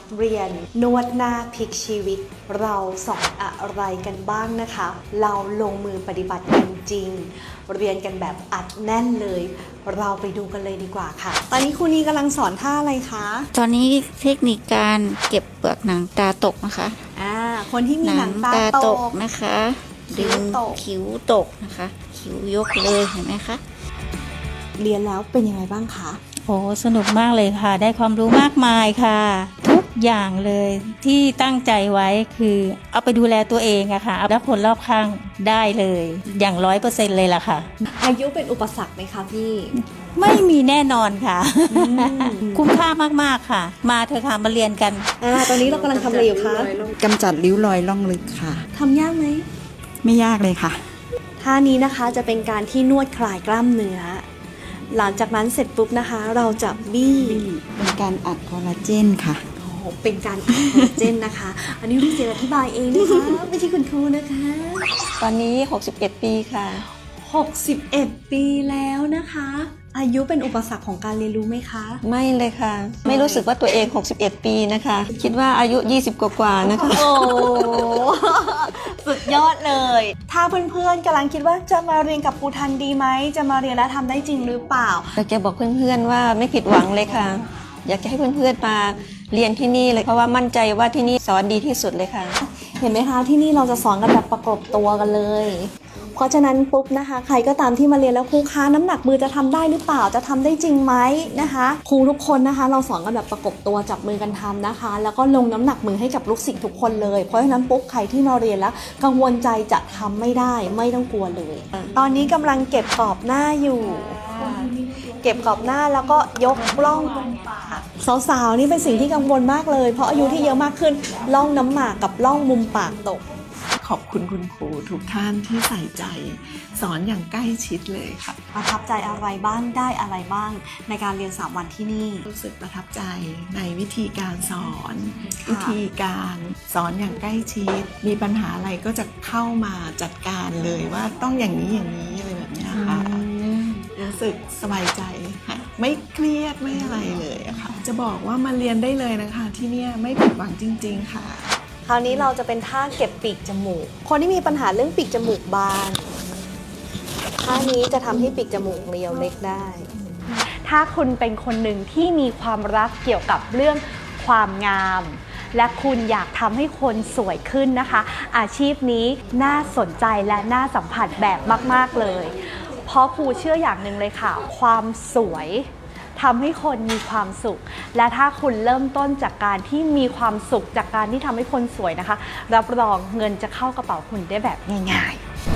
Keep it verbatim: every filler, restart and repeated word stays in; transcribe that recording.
เรียนนวดหน้าพลิกชีวิตเราสอนอะไรกันบ้างนะคะเราลงมือปฏิบัติกันจริงเรียนกันแบบอัดแน่นเลยเราไปดูกันเลยดีกว่าค่ะตอนนี้ครูนีกำลังสอนท่าอะไรคะตอนนี้เทคนิคการเก็บเปลือกหนังตาตกนะคะอ่าคนที่มีหนังตาตกนะคะดึงคิ้วตกนะคะคิ้วยกเลยเห็นไหมคะเรียนแล้วเป็นยังไงบ้างคะโอ้สนุกมากเลยค่ะได้ความรู้มากมายค่ะทุกอย่างเลยที่ตั้งใจไว้คือเอาไปดูแลตัวเองอะค่ะแล้วคนรอบข้างได้เลยอย่างร้อยเปอร์เซ็นต์เลยล่ะค่ะอายุเป็นอุปสรรคไหมคะพี่ไม่มีแน่นอนค่ะคุ้มค่ามากๆค่ะมาเถอะค่ะมาเรียนกันอ่าตอนนี้เรากำลังทำอะไรอยู่คะกำจัดริ้วรอยล่องลึกค่ะทำยากไหมไม่ยากเลยค่ะท่านี้นะคะจะเป็นการที่นวดคลายกล้ามเนื้อหลังจากนั้นเสร็จปุ๊บนะคะเราจะบี้เป็นการอัดคอลลาเจนค่ะโอ้โหเป็นการอัดคอลลาเจนนะคะอันนี้พี่เจอธิบายเองนะคะไม่ใช่คุณครูนะคะตอนนี้หกสิบเอ็ดปีค่ะหกสิบเอ็ดปีแล้วนะคะอายุเป็นอุปสรรคของการเรียนรู้ไหมคะไม่เลยค่ะไม่รู้สึกว่าตัวเองหกสิบเอ็ดปีนะคะคิดว่าอายุยี่สิบกว่าๆนะคะโอ้สุดยอดเลยถ้าเพื่อนๆกำลังคิดว่าจะมาเรียนกับครูทันดีไหมจะมาเรียนแล้วทำได้จริงหรือเปล่าอยากจะบอกเพื่อนๆว่าไม่ผิดหวังเลยค่ะอยากจะให้เพื่อนๆมาเรียนที่นี่เลยเพราะว่ามั่นใจว่าที่นี่สอนดีที่สุดเลยค่ะเห็นไหมคะที่นี่เราจะสอนกันแบบประกบตัวกันเลยเพราะฉะนั้นปุ๊บนะคะใครก็ตามที่มาเรียนแล้วครูคะน้ำหนักมือจะทำได้หรือเปล่าจะทำได้จริงไหมนะคะครูทุกคนนะคะเราสอนกันแบบประกบตัวจับมือกันทำนะคะแล้วก็ลงน้ำหนักมือให้กับลูกศิษย์ทุกคนเลยเพราะฉะนั้นปุ๊บใครที่มาเรียนแล้วกังวลใจจะทำไม่ได้ไม่ต้องกลัวเลยตอนนี้กำลังเก็บกรอบหน้าอยู่เก็บกรอบหน้าแล้วก็ยกล่องมุมปากสาวๆนี่เป็นสิ่งที่กังวลมากเลยเพราะอายุที่เยอะมากขึ้นล่องน้ำหมากกับล่องมุมปากตกขอบคุณคุณครูทุกท่านที่ใส่ใจสอนอย่างใกล้ชิดเลยค่ะประทับใจอะไรบ้างได้อะไรบ้างในการเรียนสามวันที่นี่รู้สึกประทับใจในวิธีการสอนวิธีการสอนอย่างใกล้ชิดมีปัญหาอะไรก็จะเข้ามาจัดการเลยว่าต้องอย่างนี้อย่างนี้อะไรแบบนี้ค่ะรู้สึกสบายใจค่ะไม่เครียดไม่อะไรเลยอะค่ะจะบอกว่ามาเรียนได้เลยนะคะที่นี่ไม่ผิดหวังจริงๆค่ะคราวนี้เราจะเป็นท่าเก็บปีกจมูกคนที่มีปัญหาเรื่องปีกจมูกบานท่านี้จะทำให้ปีกจมูกเรียวเล็กได้ถ้าคุณเป็นคนหนึ่งที่มีความรักเกี่ยวกับเรื่องความงามและคุณอยากทำให้คนสวยขึ้นนะคะอาชีพนี้น่าสนใจและน่าสัมผัสแบบมากๆเลยเพราะครูเชื่ออย่างหนึ่งเลยค่ะความสวยทำให้คนมีความสุขและถ้าคุณเริ่มต้นจากการที่มีความสุขจากการที่ทำให้คนสวยนะคะรับรองเงินจะเข้ากระเป๋าคุณได้แบบง่ายๆ